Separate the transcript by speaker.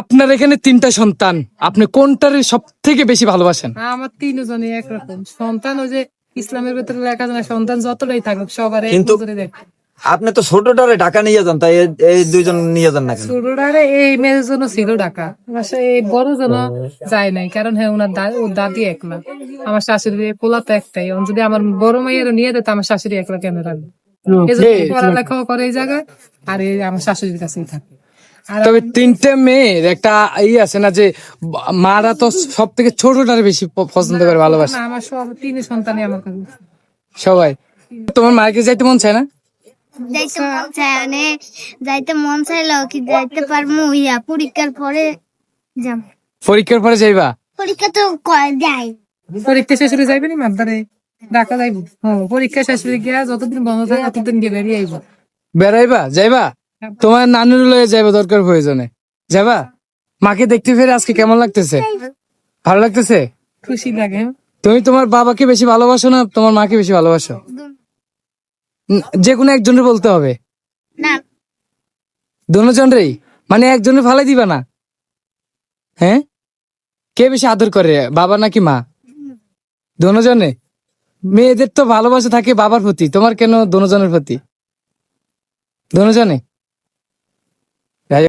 Speaker 1: আপনার এখানে 3টা সন্তান, আপনি কোনটার সব থেকে বেশি ভালোবাসেন?
Speaker 2: আমার তিনজনই একরকম সন্তান। ওই যে ইসলামের ভিতরে লেখা আছে না, সন্তান যতটাই থাকুক সবার এক
Speaker 3: কিন্তু
Speaker 2: নজরে দেখ।
Speaker 3: আপনি তো ছোটটারে ঢাকা নিয়ে যান, তাই এই দুইজন নিয়ে যান না কেন?
Speaker 2: ছোটটারে এই মেয়ের জন্য ছিল ঢাকা, বাসায় এই বড় জন্য যায় নাই, কারণ হ্যাঁ ওনার ওর দাদি একলা, আমার শাশুড়ি পোলা তো একটাই। যদি আমার বড় মেয়ের নিয়ে যেত, আমার শাশুড়ি একলা কেন রাখবে? এই জন্য পড়ালেখাও করে এই জায়গায়, আর এই আমার শাশুড়ির কাছেই থাকে। আর
Speaker 1: তবে 3টে মেয়ের একটা আছে না যে মারা তো সব থেকে ছোটটারে বেশি পছন্দ করে, ভালোবাসে
Speaker 2: না, আমার সব তিন সন্তানই আমার কাছে।
Speaker 1: সবাই। তোমার মাকে যাইতে মন চায় না?
Speaker 4: যাইতে মন চায়, মানে যাইতে মন চাইলেও কি যাইতে পারবো? পরীক্ষার পরে যাব।
Speaker 1: পরীক্ষার পরে যাইবা?
Speaker 4: পরীক্ষা তো দেয়।
Speaker 2: পরীক্ষা শেষ হলে যাইবে নি মাদ্দারে ঢাকা যাইব। পরীক্ষা শেষ হলে গিয়া যতদিন বন্ধ থাকে ততদিন গিয়ে বেরিয়ে আইব।
Speaker 1: বেড়াইবা? যাইবা? তোমার নানুর লয়ে যাইবা দরকার প্রয়োজনে, যাবা? মাকে দেখতে ফেরে আজকে কেমন লাগতেছে? ভালো লাগতেছে?
Speaker 2: খুশি লাগে।
Speaker 1: তুমি তোমার বাবাকে বেশি ভালোবাসো না তোমার মাকে বেশি ভালোবাসো? যে কোনো একজনের বলতে হবে।
Speaker 4: না,
Speaker 1: দুজনেরই? মানে একজনের ফালাই দিবা না? হ্যাঁ, কে বেশি আদর করে, বাবা নাকি মা? দুজনে? মেয়েদের তো ভালোবাসা থাকে বাবার প্রতি, তোমার কেন দুজনের প্রতি? দুজনে?